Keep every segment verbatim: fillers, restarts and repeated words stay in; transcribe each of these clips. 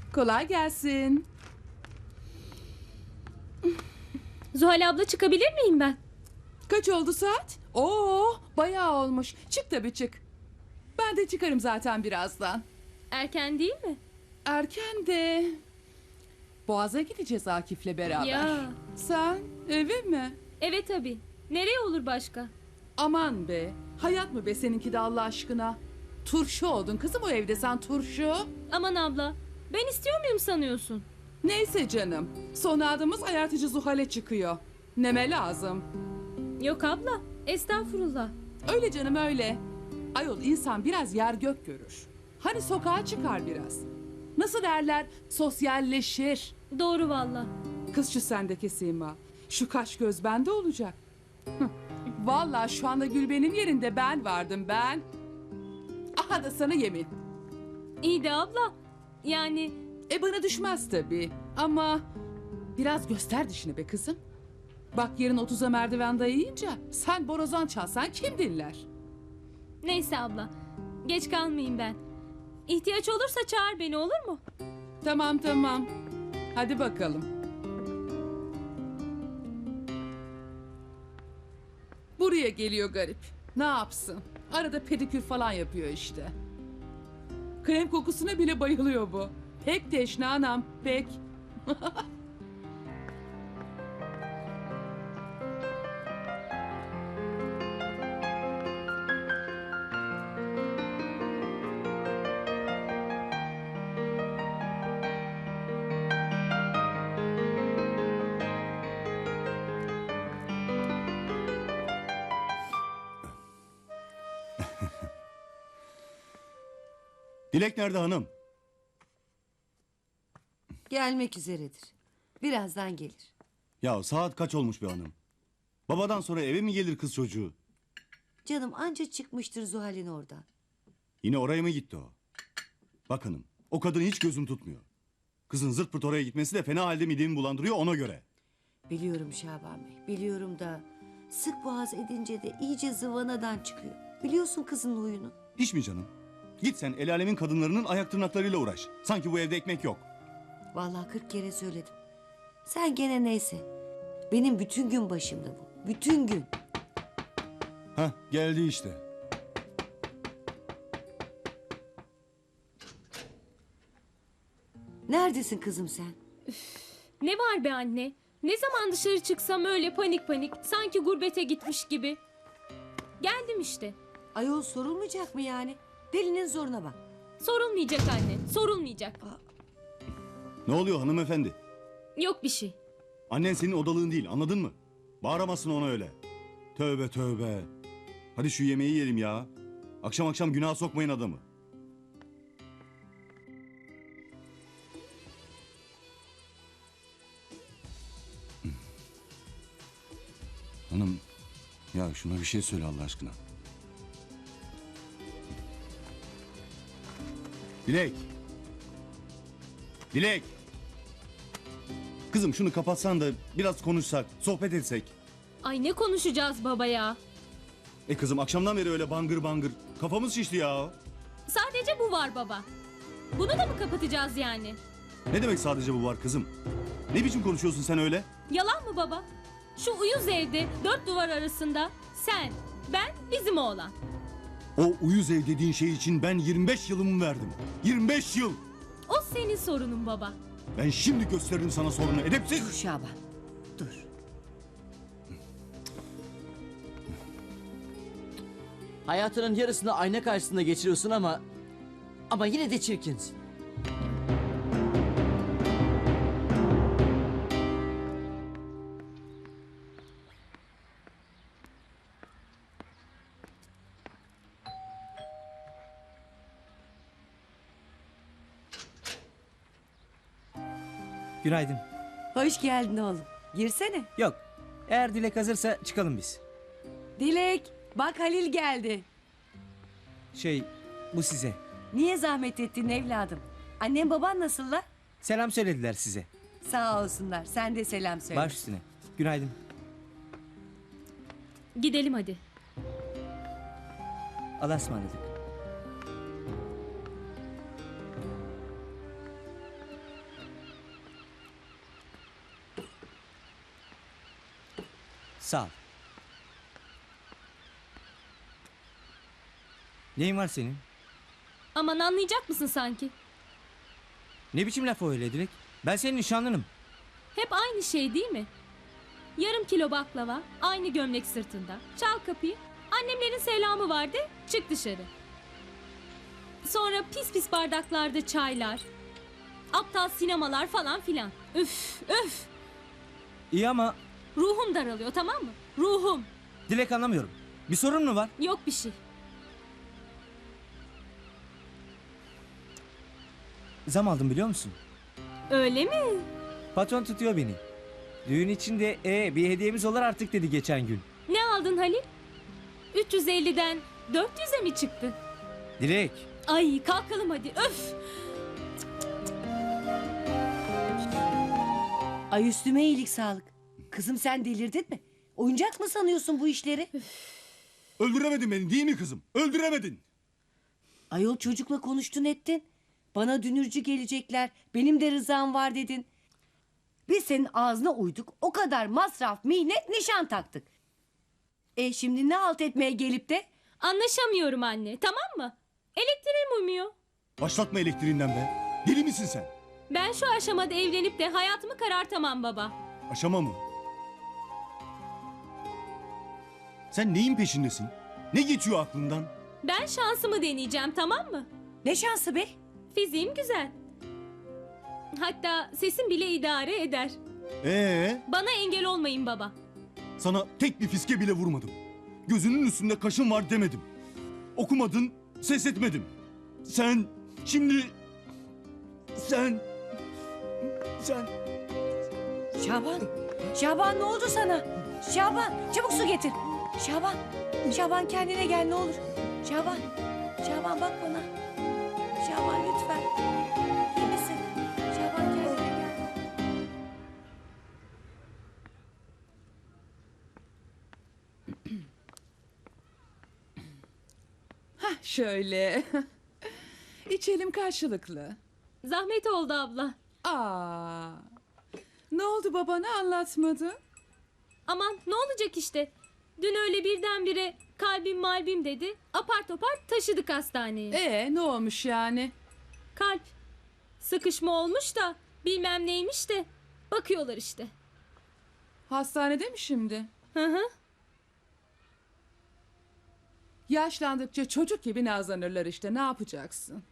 Kolay gelsin. Zuhal abla çıkabilir miyim ben? Kaç oldu saat? Oo, bayağı olmuş. Çık tabii çık. Ben de çıkarım zaten birazdan. Erken değil mi? Erken de. Boğaz'a gideceğiz Akif'le beraber. Ya. Sen eve mi? Evet tabii. Nereye olur başka? Aman be. Hayat mı be seninki de Allah aşkına? Turşu oldun kızım o evde sen turşu. Aman abla. Ben istiyor muyum sanıyorsun? Neyse canım. Son adımız ayartıcı Zuhal'e çıkıyor. Neme lazım. Yok abla. Estağfurullah. Öyle canım öyle. Ayol insan biraz yer gök görür. Hani sokağa çıkar biraz. Nasıl derler? Sosyalleşir. Doğru valla. Kız şu sendeki Sima. Şu kaş göz bende olacak. Hıh. Vallahi şu anda Gülben'in yerinde ben vardım ben. Aha da sana yemin. İyi de abla. Yani E bana düşmez tabii. Ama biraz göster dişini be kızım. Bak yarın otuza merdiven dayayınca sen borazan çalsan kim dinler? neyse abla. Geç kalmayayım ben. İhtiyaç olursa çağır beni olur mu? Tamam tamam. Hadi bakalım. Buraya geliyor garip. Ne yapsın? Arada pedikür falan yapıyor işte. Krem kokusuna bile bayılıyor bu. Pek teşne anam, pek. Dilek nerede hanım? Gelmek üzeredir. Birazdan gelir. Ya saat kaç olmuş be hanım? Babadan sonra eve mi gelir kız çocuğu? Canım anca çıkmıştır Zuhal'in oradan. Yine oraya mı gitti o? Bak hanım, o kadın hiç gözüm tutmuyor. Kızın zırt pırt oraya gitmesi de fena halde midemi bulandırıyor ona göre. Biliyorum Şaban Bey, biliyorum da... ...sık boğaz edince de iyice zıvanadan çıkıyor. Biliyorsun kızın huyunu. Hiç mi canım? Git sen el alemin kadınlarının ayak tırnaklarıyla uğraş. Sanki bu evde ekmek yok. Vallahi kırk kere söyledim. Sen gene neyse. Benim bütün gün başımda bu. Bütün gün. Hah geldi işte. Neredesin kızım sen? Ne var be anne? Ne zaman dışarı çıksam öyle panik panik. Sanki gurbete gitmiş gibi. Geldim işte. Ayol sorulmayacak mı yani? Delinin zoruna bak. Sorulmayacak anne. Sorulmayacak. Ne oluyor hanımefendi? Yok bir şey. Annen senin odalığın değil anladın mı? Bağıramazsın ona öyle. Tövbe tövbe. Hadi şu yemeği yiyelim ya. Akşam akşam günaha sokmayın adamı. Hanım, ya şuna bir şey söyle Allah aşkına. Dilek. Dilek. Kızım şunu kapatsan da biraz konuşsak, sohbet etsek. Ay ne konuşacağız baba ya? E kızım akşamdan beri öyle bangır bangır. Kafamız şişti ya. Sadece bu var baba. Bunu da mı kapatacağız yani? Ne demek sadece bu var kızım? Ne biçim konuşuyorsun sen öyle? Yalan mı baba? Şu uyuz evde dört duvar arasında sen, ben, bizim oğlan. O uyuz ev dediğin şey için ben yirmi beş yılımı verdim. yirmi beş yıl. O senin sorunun baba. Ben şimdi gösteririm sana sorunu edepsiz. Dur Şaban. Dur. Hayatının yarısını ayna karşısında geçiriyorsun ama... Ama yine de çirkinsin. Günaydın. Hoş geldin oğlum. Girsene. Yok. Eğer Dilek hazırsa çıkalım biz. Dilek. Bak Halil geldi. Şey, bu size. Niye zahmet ettin evladım? Annem baban nasıllar? Selam söylediler size. Sağ olsunlar. Sen de selam söyle. Baş üstüne. Günaydın. Gidelim hadi. Allah'a ısmarladık. Sağ ol. Neyin var senin? Aman anlayacak mısın sanki? Ne biçim laf o öyle Dilek? Ben senin nişanlınım. Hep aynı şey değil mi? Yarım kilo baklava, aynı gömlek sırtında. Çal kapıyı. Annemlerin selamı vardı, çık dışarı. Sonra pis pis bardaklarda çaylar. Aptal sinemalar falan filan. Üf, üf. İyi ama Ruhum daralıyor, tamam mı? Ruhum. Dilek anlamıyorum. Bir sorun mu var? Yok bir şey. Zam aldım biliyor musun? Öyle mi? Patron tutuyor beni. Düğün için de e, bir hediyemiz olur artık dedi geçen gün. Ne aldın Halil? üç yüz elliden dört yüze mi çıktı? Dilek. Ay kalkalım hadi, öf. Ay üstüme iyilik sağlık. Kızım sen delirdin mi? Oyuncak mı sanıyorsun bu işleri? Öldüremedin beni değil mi kızım? Öldüremedin. Ayol çocukla konuştun ettin. Bana dünürcü gelecekler. Benim de rızam var dedin. Biz senin ağzına uyduk. O kadar masraf, mihnet, nişan taktık. E şimdi ne halt etmeye gelip de? Anlaşamıyorum anne, tamam mı? Elektriğim uymuyor. Başlatma elektriğinden be. Deli misin sen? Ben şu aşamada evlenip de hayatımı karartamam baba. Aşama mı? Sen neyin peşindesin? Ne geçiyor aklından? Ben şansımı deneyeceğim, tamam mı? Ne şansı be? Fiziğim güzel. Hatta sesim bile idare eder. Ee, Bana engel olmayın baba. sana tek bir fiske bile vurmadım. Gözünün üstünde kaşın var demedim. Okumadın, ses etmedim. Sen şimdi... Sen... Sen... Şaban. Şaban ne oldu sana? Şaban çabuk su getir. Şaban. Şaban kendine gel ne olur. Şaban. Şaban bak bana. Şaban lütfen. İyi misin? Şaban kendine gel. Hah şöyle. İçelim karşılıklı. Zahmet oldu abla. Aa. Ne oldu babana anlatmadı? Aman ne olacak işte. Dün öyle birdenbire kalbim malbim dedi. Apar topar taşıdık hastaneye. Ee ne olmuş yani? Kalp. Sıkışma olmuş da bilmem neymiş de. Bakıyorlar işte. Hastanede mi şimdi? Hı hı. Yaşlandıkça çocuk gibi nazlanırlar işte, ne yapacaksın?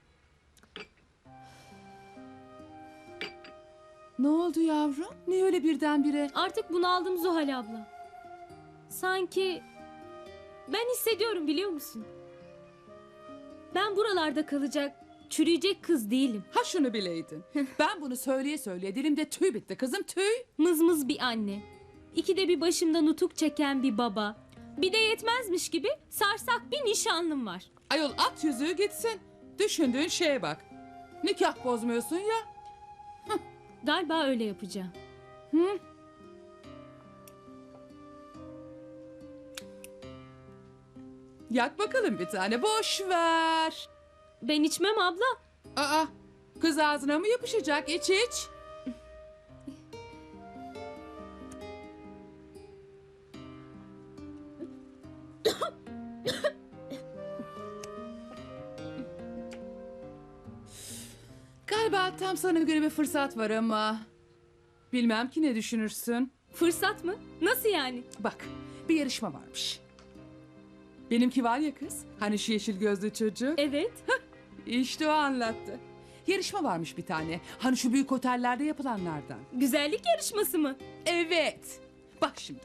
Ne oldu yavrum? Niye öyle birdenbire? Artık bunaldım Zuhal abla. Sanki ben hissediyorum biliyor musun? Ben buralarda kalacak, çürüyecek kız değilim. Ha şunu bileydin. Ben bunu söyleye söyleye dilimde tüy bitti kızım, tüy. Mızmız bir anne. İkide bir başımda nutuk çeken bir baba. Bir de yetmezmiş gibi sarsak bir nişanlım var. Ayol at yüzüğü gitsin. Düşündüğün şeye bak. Nikah bozmuyorsun ya. Galiba öyle yapacağım. Hı? Yak bakalım bir tane, boş ver. Ben içmem abla. Aa, kız ağzına mı yapışacak? İç iç. Galiba tam sana göre bir fırsat var ama... Bilmem ki ne düşünürsün. Fırsat mı? Nasıl yani? Bak, bir yarışma varmış. Benimki var ya kız, hani şu yeşil gözlü çocuk. Evet. İşte o anlattı. Yarışma varmış bir tane. Hani şu büyük otellerde yapılanlardan. Güzellik yarışması mı? Evet. Bak şimdi.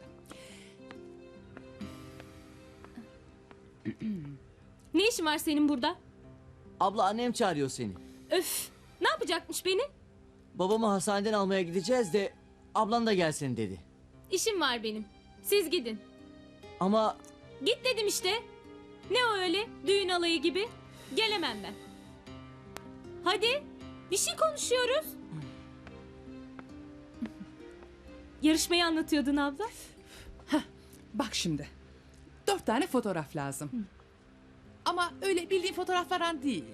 Ne işin var senin burada? Abla annem çağırıyor seni. Öf. Ne yapacakmış beni? Babamı hastaneden almaya gideceğiz de ablan da gelsin dedi. İşim var benim. Siz gidin. Ama Git dedim işte. Ne o öyle? Düğün alayı gibi. Gelemem ben. Hadi. Bir şey konuşuyoruz. Yarışmayı anlatıyordun abla. Bak şimdi. Dört tane fotoğraf lazım. Ama öyle bildiğin fotoğraflardan değil.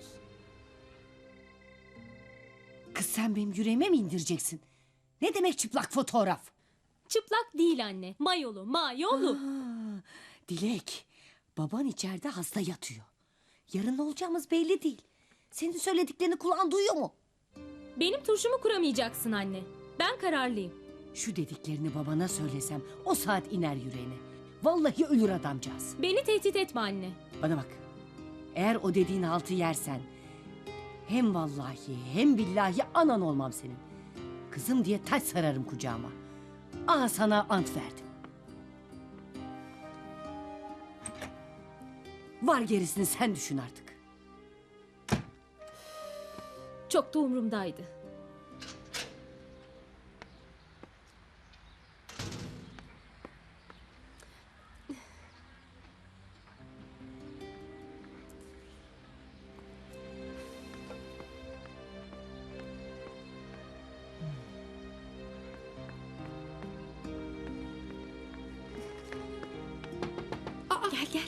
Kız sen benim yüreğime mi indireceksin? Ne demek çıplak fotoğraf? Çıplak değil anne. Mayolu, mayolu. Aa, Dilek, baban içeride hasta yatıyor. Yarın ne olacağımız belli değil. Senin söylediklerini kulağın duyuyor mu? Benim turşumu kuramayacaksın anne. Ben kararlıyım. Şu dediklerini babana söylesem o saat iner yüreğine. Vallahi ölür adamcağız. Beni tehdit etme anne. Bana bak. Eğer o dediğin haltı yersen hem vallahi hem billahi anan olmam senin. Kızım diye taş sararım kucağıma. Aa sana ant verdim. Var gerisini sen düşün artık. Çok da umurumdaydı. Gel gel.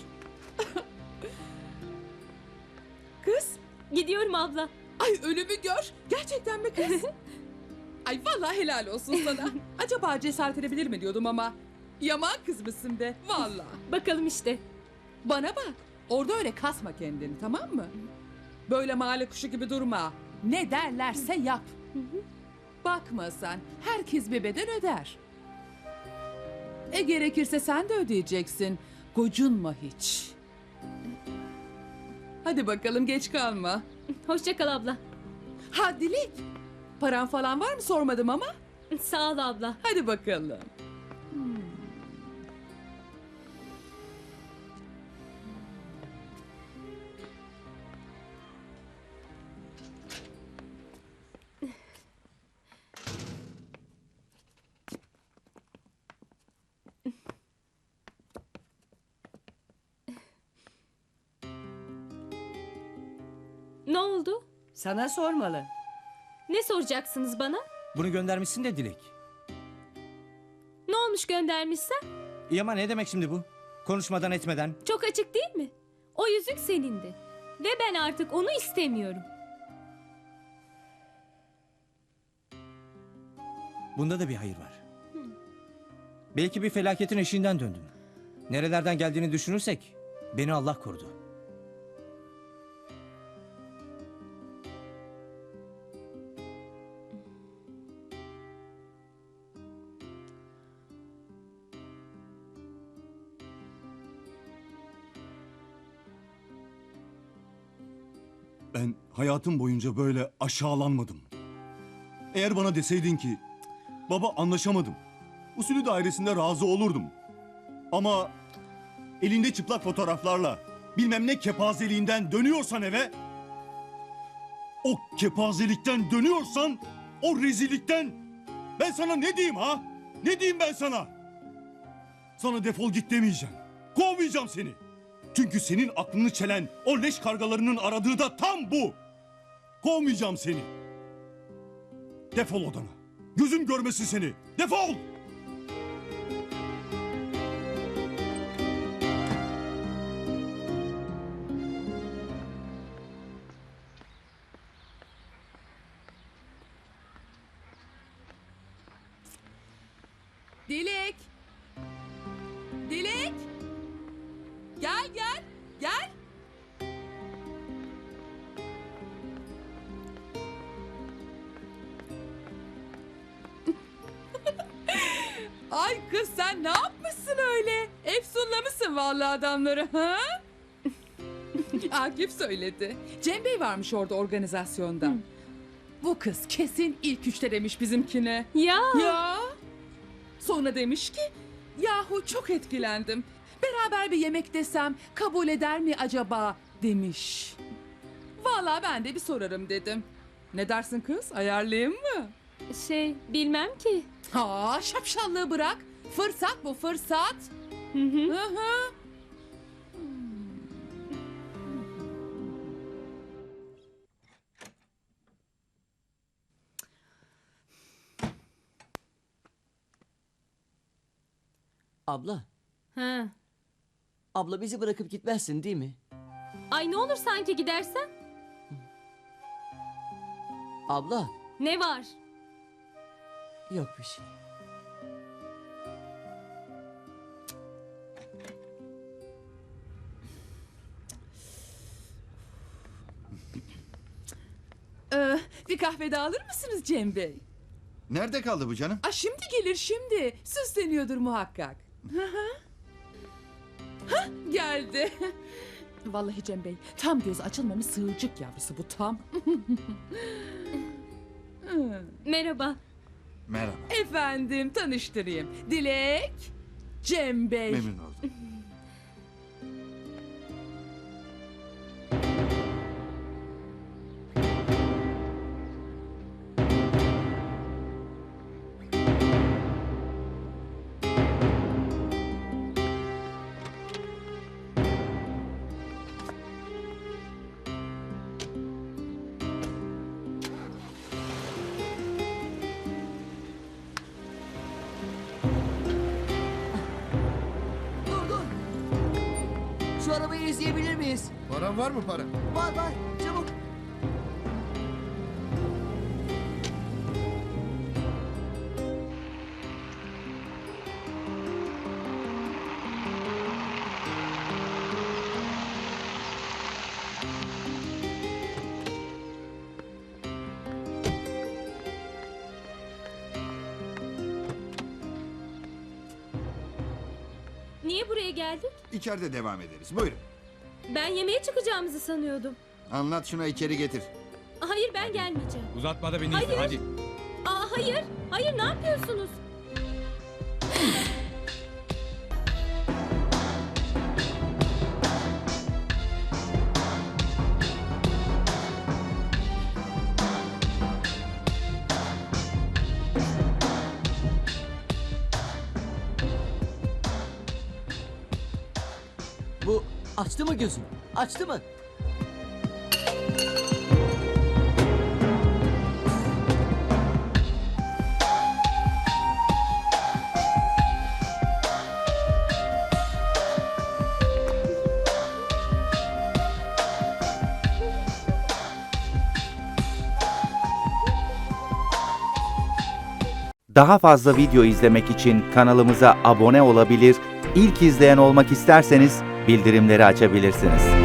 Kız, Gidiyorum abla. ay ölümü gör. Gerçekten mi kız? Ay vallahi helal olsun sana. Acaba cesaret edebilir mi diyordum ama. Yaman kız mısın be, vallahi. Bakalım işte. Bana bak, orada öyle kasma kendini, tamam mı? Böyle mahalle kuşu gibi durma. Ne derlerse yap. Bakma sen, herkes bir bedel öder. E gerekirse sen de ödeyeceksin. Gocunma hiç. Hadi bakalım, geç kalma. Hoşça kal abla. Ha Dilek, paran falan var mı sormadım ama. Sağ ol abla. Hadi bakalım. Ne oldu? Sana sormalı. Ne soracaksınız bana? Bunu göndermişsin de Dilek. Ne olmuş göndermişsen? İyi ama ne demek şimdi bu? Konuşmadan etmeden. Çok açık değil mi? O yüzük senindi. Ve ben artık onu istemiyorum. Bunda da bir hayır var. Belki bir felaketin eşiğinden döndüm. Nerelerden geldiğini düşünürsek beni Allah korudu. Ben hayatım boyunca böyle aşağılanmadım. Eğer bana deseydin ki baba anlaşamadım, usulü dairesinde razı olurdum. Ama elinde çıplak fotoğraflarla bilmem ne kepazeliğinden dönüyorsan eve, o kepazelikten dönüyorsan, o rezillikten ben sana ne diyeyim ha? Ne diyeyim ben sana? Sana defol git demeyeceğim. Kovmayacağım seni. Çünkü senin aklını çelen o leş kargalarının aradığı da tam bu. Kovmayacağım seni. Defol odana. Gözüm görmesin seni. Defol! Dilek! Dilek! Gel gel, gel. Ay kız sen ne yapmışsın öyle? Efsunlamışsın vallahi adamları ha? Akif söyledi. Cem Bey varmış orada organizasyonda. Bu kız kesin ilk üçte demiş bizimkine. Ya. Ya. Sonra demiş ki yahu çok etkilendim. Beraber bir yemek desem kabul eder mi acaba demiş. Vallahi ben de bir sorarım dedim. Ne dersin kız, ayarlayayım mı? Şey bilmem ki. Aa şapşallığı bırak. Fırsat bu fırsat. Hı hı. Hı hı. Abla, Ha. abla bizi bırakıp gitmezsin değil mi? Ay ne olur sanki gidersen? Abla, Ne var? yok bir şey. Bir kahve daha alır mısınız Cem Bey? Nerede kaldı bu canım? Aa, şimdi gelir şimdi. Süsleniyordur muhakkak. Hı hı. Hah, geldi. Vallahi Cem Bey, tam göz açılmamış sığırcık yavrusu bu tam. Merhaba. Merhaba. Efendim, tanıştırayım. Dilek, Cem Bey. Memnun oldum. Dur dur. Şu arabayı izleyebilir miyiz? Paran var mı para? Var var çabuk. Niye buraya geldik? İçeride devam ederiz. Buyurun. Ben yemeğe çıkacağımızı sanıyordum. Anlat şuna içeri getir. Hayır ben gelmeyeceğim. Uzatma da beni Hayır. izle hadi. Aa hayır. Hayır ne yapıyorsunuz? Bu açtı mı gözünü? Açtı mı? Daha fazla video izlemek için kanalımıza abone olabilir, ilk izleyen olmak isterseniz bildirimleri açabilirsiniz.